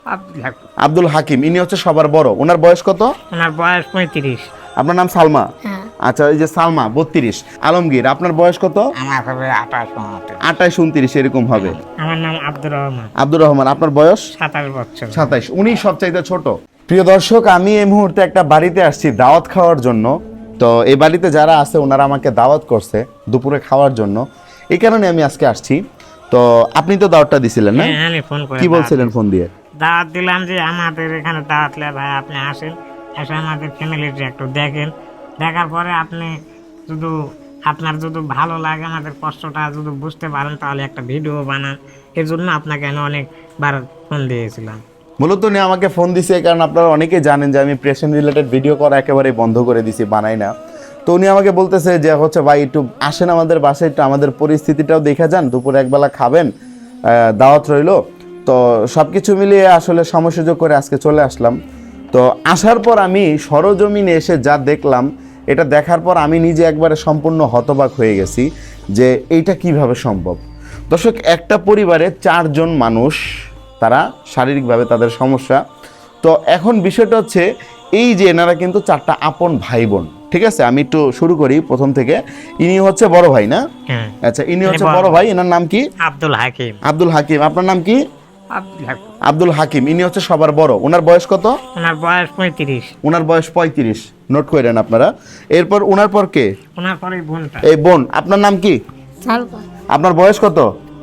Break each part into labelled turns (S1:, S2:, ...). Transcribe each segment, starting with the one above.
S1: আব্দুল হাকিম, ইনি হচ্ছে সবার বড়। ওনার বয়স কত?
S2: ওনার বয়স 35।
S1: আপনার নাম সালমা?
S3: হ্যাঁ।
S1: আচ্ছা, এই যে সালমা 32। আলমগীর, আপনার বয়স কত?
S2: আমার হবে 28,
S1: 28, 29 এরকম হবে।
S2: আমার নাম আব্দুর রহমান।
S1: আব্দুর রহমান, আপনার বয়স?
S2: 27 বছর।
S1: 27। উনি সবচাইতে ছোট। প্রিয় দর্শক, আমি এই মুহূর্তে একটা বাড়িতে আসছি দাওয়াত খাওয়ার জন্য। তো এই বাড়িতে যারা আছে ওনারা আমাকে দাওয়াত করছে দুপুরে খাওয়ার জন্য, এই কারণে আমি আজকে আসছি। তো আপনি তো দাওয়াতটা দিছিলেন না?
S2: হ্যাঁ, আমি ফোন করে
S1: কি বলছিলেন ফোন দিয়ে?
S2: দাওয়াত দিলাম যে আমাদের এখানে দাওয়াত লে ভাই, আপনি আসেন, এসে আমাদের ফ্যামিলিটা একটু দেখেন। দেখার পরে আপনি শুধু আপনার যদি ভালো লাগে, আমাদের কষ্টটা যদি বুঝতে পারেন, তাহলে একটা ভিডিও বানান। এই জন্য আপনাকে আমি অনেকবার ফোন দিয়েছিলাম।
S1: মূলত উনি আমাকে ফোন দিছে কারণ আপনারা অনেকেই জানেন যে আমি পেশেন্ট রিলেটেড ভিডিও করা একেবারেই বন্ধ করে দিছি, বানাই না। তো উনি আমাকে বলতেছে যে হচ্ছে ভাই একটু আসেন আমাদের বাসায়, একটু আমাদের পরিস্থিতিটাও দেখা যান, দুপুরে একবেলা খাবেন, দাওয়াত রইলো। তো সব কিছু মিলিয়ে আসলে সময় সুযোগ করে আজকে চলে আসলাম। তো আসার পর আমি সরজমিনে এসে যা দেখলাম, এটা দেখার পর আমি নিজে একবারে সম্পূর্ণ হতবাক হয়ে গেছি যে এইটা কিভাবে সম্ভব। দর্শক, একটা পরিবারে 4 জন মানুষ, তারা শারীরিকভাবে তাদের সমস্যা। তো এখন বিষয়টা হচ্ছে এই যে এনারা কিন্তু 4টা আপন ভাই বোন, ঠিক আছে? আমি একটু শুরু করি প্রথম থেকে। ইনি হচ্ছে বড় ভাই না?
S2: হ্যাঁ,
S1: আচ্ছা, ইনি হচ্ছে বড় ভাই। এনার নাম কি?
S2: আব্দুল হাকিম।
S1: আব্দুল হাকিম। আপনার নাম কি?
S2: আব্দুল হাকিম।
S1: আব্দুল হাকিম, ইনি হচ্ছে সবার বড়। ওনার বয়স কত?
S2: ওনার বয়স 35।
S1: ওনার বয়স 35, নোট করেন আপনারা। এরপর ওনার পর কে?
S2: ওনার পরে বোনটা।
S1: এই বোন। আপনার নাম কি?
S3: সালমা।
S1: আপনার বয়স কত?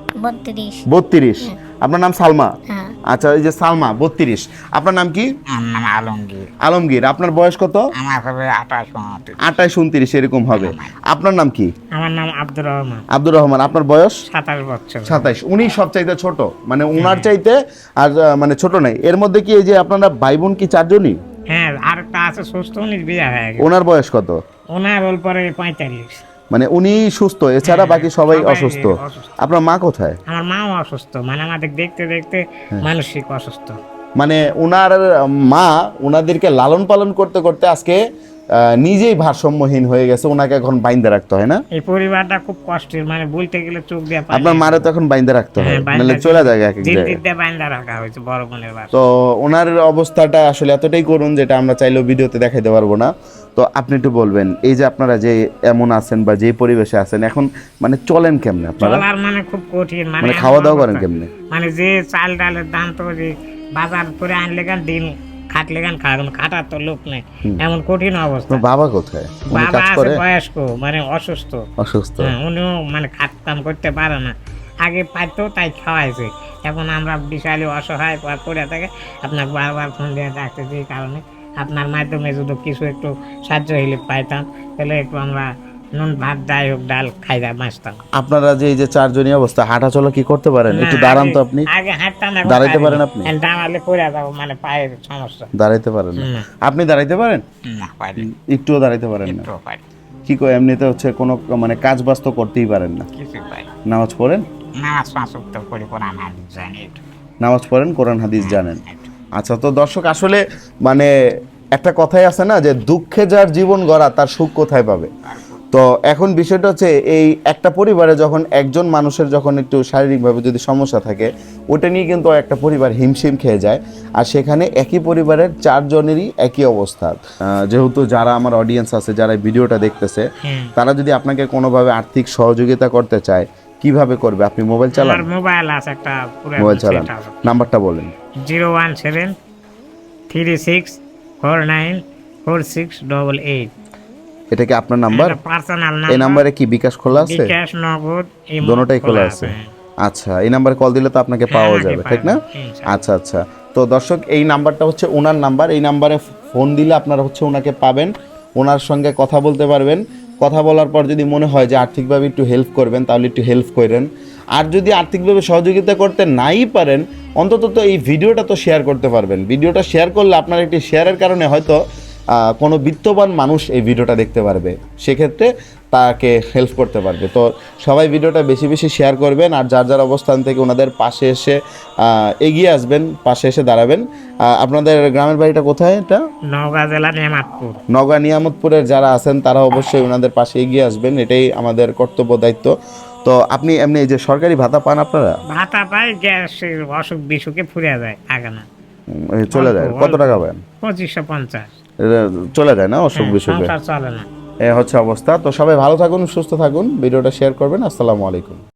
S3: 32।
S1: 32। আপনার নাম সালমা?
S3: হ্যাঁ।
S1: আচ্ছা, এই যে সালমা 32। আপনার নাম কি?
S2: আমার নাম আলমগীর।
S1: আলমগীর। আপনার বয়স কত?
S2: আমার হবে 28,
S1: 28, 29 এরকম হবে। আপনার নাম কি?
S2: আমার নাম আব্দুর রহমান।
S1: আব্দুর রহমান। আপনার বয়স?
S2: 27 বছর।
S1: 27। উনি সবচাইতে ছোট, মানে উনার চাইতে আর মানে ছোট নাই। এর মধ্যে কি এই যে আপনারা ভাই বোন কি 4 জনই?
S2: হ্যাঁ, আরেকটা আছে সুস্থ, উনি বিয়ে হয়ে গেছে।
S1: ওনার বয়স কত?
S2: ওনার ওর পরে 45।
S1: মানে উনি সুস্থ, এছাড়া
S2: হ্যাঁ,
S1: বাকি সবাই
S2: সবাই
S1: অসুস্থ।
S2: অসুস্থ।
S1: আপনার মা কোথায়?
S2: আমার মাও অসুস্থ, মানে আমাদের দেখতে দেখতে মানসিক অসুস্থ।
S1: মানে ওনার মা ওনাদেরকে লালন পালন করতে করতে আজকে নিজেই ভারসাম্যহীন হয়ে গেছে, ওনাকে এখন বাইন্দা রাখতে হয় না?
S2: এই পরিবারটা খুব কষ্টের, মানে বলতে গেলে চোখ দিয়ে পানি।
S1: আপনার মারে তো এখন বাইন্দা রাখতে হয়,
S2: হ্যাঁ, বাইন্দা
S1: নাহলে চলে যায় এক এক
S2: জিদ
S1: জায়গায়।
S2: দিয়ে বাইন্দা রাখা হয়েছে বড় বোনের বাসা।
S1: তো ওনার অবস্থাটা আসলে এতটাই করুন যেটা আমরা চাইলেও ভিডিওতে দেখাইতে পারবো না। তো আপনি একটু বলবেন, এই যে আপনারা যে এমন আছেন বা যে পরিবেশে আছেন এখন, মানে চলেন কেমনে আপনারা?
S2: চলার মানে খুব কঠিন,
S1: মানে খাওয়া দাওয়া করেন কেমনে?
S2: মানে যে চাল ডালের দাম তো যে বাজার করে আনলে গান দিন খাটলে গান খাওয়া, খাটার তো লোক নেই, এমন কঠিন অবস্থা।
S1: আপনার বাবা কোথায়? উনি
S2: বাবা
S1: কাজ
S2: আছে
S1: করে?
S2: বয়স্ক, মানে অসুস্থ।
S1: অসুস্থ।
S2: হ্যাঁ, উনিও মানে খাট কাম করতে পারে না। আগে পাইতো তাই খাওয়াইছে, এখন আমরা বিশাল অসহায় পড়ে থাকে। আপনাকে বারবার ফোন দিয়ে ডাকতেছি, এই কারণে আপনার মাধ্যমে যদি কিছু একটু সাহায্য হইলে পাইতাম, তাহলে একটু আমরা নুন ভাত যাই হোক ডাল খাইয়া বাঁচতাম।
S1: আপনারা যে এই যে 4 জনই অবস্থা, হাঁটা চলা কি করতে পারেন? একটু
S2: না,
S1: দাঁড়ান তো
S2: আগে-
S1: আপনি।
S2: আগে হাঁটতাম, এখন
S1: দাঁড়াইতে
S2: পারি
S1: পারেন
S2: না।
S1: আপনি?
S2: দাঁড়ালে পড়ে যাবো, মানে পায়ের সমস্যা।
S1: দাঁড়াইতে পারেন না?
S2: না।
S1: আপনি দাঁড়াইতে পারেন?
S2: না, পারি
S1: একটুও দাঁড়াইতে পারেন না?
S2: একটু পারি,
S1: কি কয়, এমনিতে হচ্ছে কোনো মানে কাজ বাজ তো করতেই পারেন না।
S2: কিছু পারি।
S1: নামাজ পড়েন?
S2: নামাজ পাঁচ ওয়াক্ত পড়ি, কোরআন হাদিস জানি একটু।
S1: নামাজ পড়েন, কোরআন হাদিস জানেন। আচ্ছা, তো দর্শক আসলে মানে একটা কথাই আছে না যে দুঃখে যার জীবন গড়া তার সুখ কোথায় পাবে। তো এখন বিষয়টা হচ্ছে এই একটা পরিবারে যখন একজন মানুষের যখন একটু শারীরিকভাবে যদি সমস্যা থাকে, ওটা নিয়ে কিন্তু একটা পরিবার হিমশিম খেয়ে যায়। আর সেখানে একই পরিবারের 4 জনেরই একই অবস্থা। যেহেতু যারা আমার অডিয়েন্স আছে, যারা এই ভিডিওটা দেখতেছে, তারা যদি আপনাকে কোনোভাবে আর্থিক সহযোগিতা করতে চায়, কিভাবে করবে? আপনি মোবাইল চালান?
S2: আমার মোবাইল আছে একটা,
S1: মোবাইল চালান, নাম্বারটা বলেন।
S2: 017394688।
S1: এটা কি আপনার নাম্বার?
S2: পার্সোনাল
S1: এই
S2: নাম্বার।
S1: নাম্বারে কি বিকাশ খোলা আছে?
S2: বিকাশ, নগদ,
S1: দোনোটাই খোলা আছে। আচ্ছা, এই নাম্বারে কল দিলে তো আপনাকে পাওয়া
S2: আমাকে
S1: যাবে,
S2: পাওয়া
S1: ঠিক না?
S2: যাবে, ইনশাআল্লাহ।
S1: আচ্ছা আচ্ছা। তো দর্শক, এই নাম্বারটা হচ্ছে ওনার নাম্বার। এই নাম্বারে ফোন দিলে আপনারা হচ্ছে ওনাকে পাবেন, ওনার সঙ্গে কথা বলতে পারবেন। কথা বলার পর যদি মনে হয় যে আর্থিকভাবে একটু হেল্প করবেন, তাহলে একটু হেল্প করেন। আর যদি আর্থিকভাবে সহযোগিতা করতে নাই পারেন, অন্তত তো এই ভিডিওটা তো শেয়ার করতে পারবেন। ভিডিওটা শেয়ার করলে আপনার একটি শেয়ারের কারণে হয়তো কোনো বিত্তবান মানুষ এই ভিডিওটা দেখতে পারবে, সেক্ষেত্রে তাকে হেল্প করতে পারবে। তো সবাই ভিডিওটা বেশি বেশি শেয়ার করবেন, আর যার যার অবস্থান থেকে ওনাদের পাশে এসে এগিয়ে আসবেন, পাশে এসে দাঁড়াবেন। আপনাদের গ্রামের বাড়িটা কোথায়? এটা
S2: নওগাঁ জেলা নিয়ামতপুর।
S1: নওগাঁ নিয়ামতপুরের যারা আছেন তারা অবশ্যই ওনাদের পাশে এগিয়ে আসবেন, এটাই আমাদের কর্তব্য, দায়িত্ব। তো আপনি এমনি এই যে সরকারি ভাতা পান আপনারা?
S2: ভাতা পাই, গ্যাসের অসুখ বিসুখে ফুরিয়ে যায়, থাকে না।
S1: চলে যায়
S2: অল্প,
S1: কত
S2: অল্প।
S1: টাকা পান
S2: 2550।
S1: এটা চলে যায় না অসুখ বিসুখে
S2: সংসার চলে না।
S1: এ হচ্ছে অবস্থা। তো সবাই ভালো থাকুন, সুস্থ থাকুন, ভিডিওটা শেয়ার করবেন। আসসালামু আলাইকুম।